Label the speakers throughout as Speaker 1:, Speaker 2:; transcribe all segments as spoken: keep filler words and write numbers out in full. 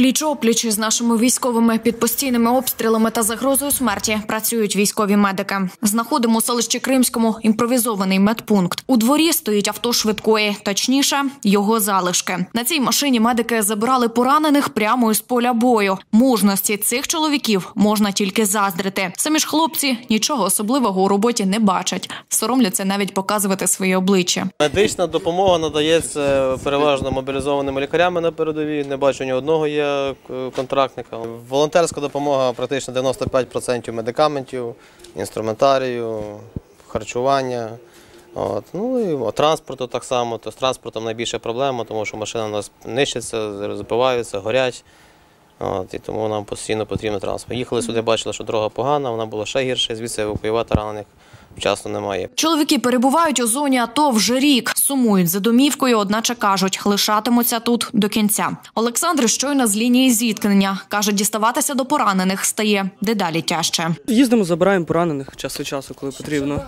Speaker 1: Пліч-опліч з нашими військовими під постійними обстрілами та загрозою смерті працюють військові медики. Знаходимо у селищі Кримському імпровізований медпункт. У дворі стоїть авто швидкої, точніше, його залишки. На цій машині медики забирали поранених прямо із поля бою. Мужності цих чоловіків можна тільки заздрити. Самі ж хлопці нічого особливого у роботі не бачать. Соромляться навіть показувати своє обличчя.
Speaker 2: Медична допомога надається переважно мобілізованими лікарями на передовій. Не бачу ні одного є контрактника. Волонтерська допомога практично дев'яносто п'ять відсотків медикаментів, інструментарію, харчування. От. Ну і транспорту так само. То з транспортом найбільша проблема, тому що машини у нас нищаться, забиваються, горять. От, і тому нам постійно потрібен транспорт. Їхали сюди, бачили, що дорога погана, вона була ще гірша, звідси евакуювати ранених вчасно немає.
Speaker 1: Чоловіки перебувають у зоні АТО вже рік. Сумують за домівкою, одначе кажуть, лишатимуться тут до кінця. Олександр щойно з лінії зіткнення. Каже, діставатися до поранених стає дедалі тяжче.
Speaker 3: Їздимо, забираємо поранених час від часу, коли потрібно.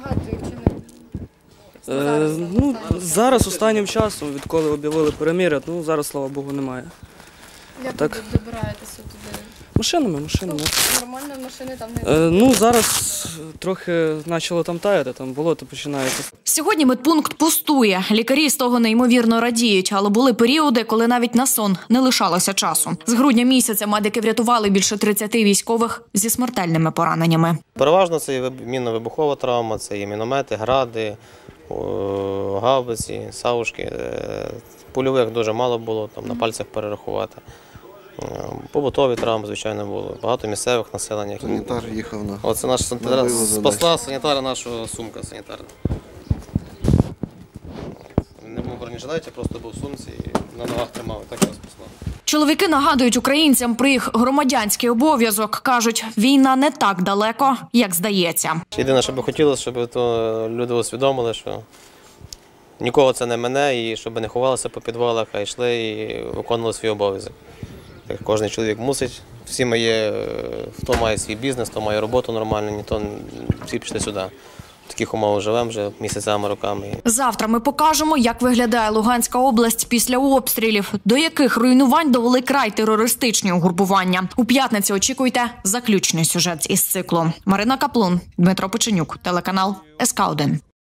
Speaker 3: Е, ну, зараз останнім часом, відколи об'явили перемир'я, ну зараз, слава Богу, немає.
Speaker 4: Як
Speaker 3: так.
Speaker 4: ви добираєтеся туди?
Speaker 3: Машинами, машинами.
Speaker 4: Нормально машини там не...
Speaker 3: Е, ну, зараз трохи почало там таяти, там болото починається.
Speaker 1: Сьогодні медпункт пустує. Лікарі з того неймовірно радіють, але були періоди, коли навіть на сон не лишалося часу. З грудня місяця медики врятували більше тридцяти військових зі смертельними пораненнями.
Speaker 2: Переважно це і мінно-вибухова травма, це і міномети, гради, гаубиці, саушки. Польових дуже мало було, там на пальцях перерахувати. Побутові травми, звичайно, було. Багато місцевих населення.
Speaker 5: Санітар їхав на...
Speaker 2: Оце наш санітар, спасла санітара нашого сумка санітарна. Не був в бронежилеті, просто був в сумці і на ногах тримав, і так його спасла.
Speaker 1: Чоловіки нагадують українцям про їх громадянський обов'язок. Кажуть, війна не так далеко, як здається.
Speaker 2: Єдине, що би хотілося, щоб то люди усвідомили, що нікого це не мене, і щоб не ховалися по підвалах, а йшли і виконували свій обов'язок. Кожен чоловік мусить, всі має, хто має свій бізнес, хто має роботу нормальну, ніхто, всі пішли сюди. В таких умовах живемо вже місяцями, роками.
Speaker 1: Завтра ми покажемо, як виглядає Луганська область після обстрілів, до яких руйнувань довели край терористичні угрупування. У п'ятницю очікуйте заключний сюжет із циклу. Марина Каплун, Дмитро Печенюк, телеканал ес ка один.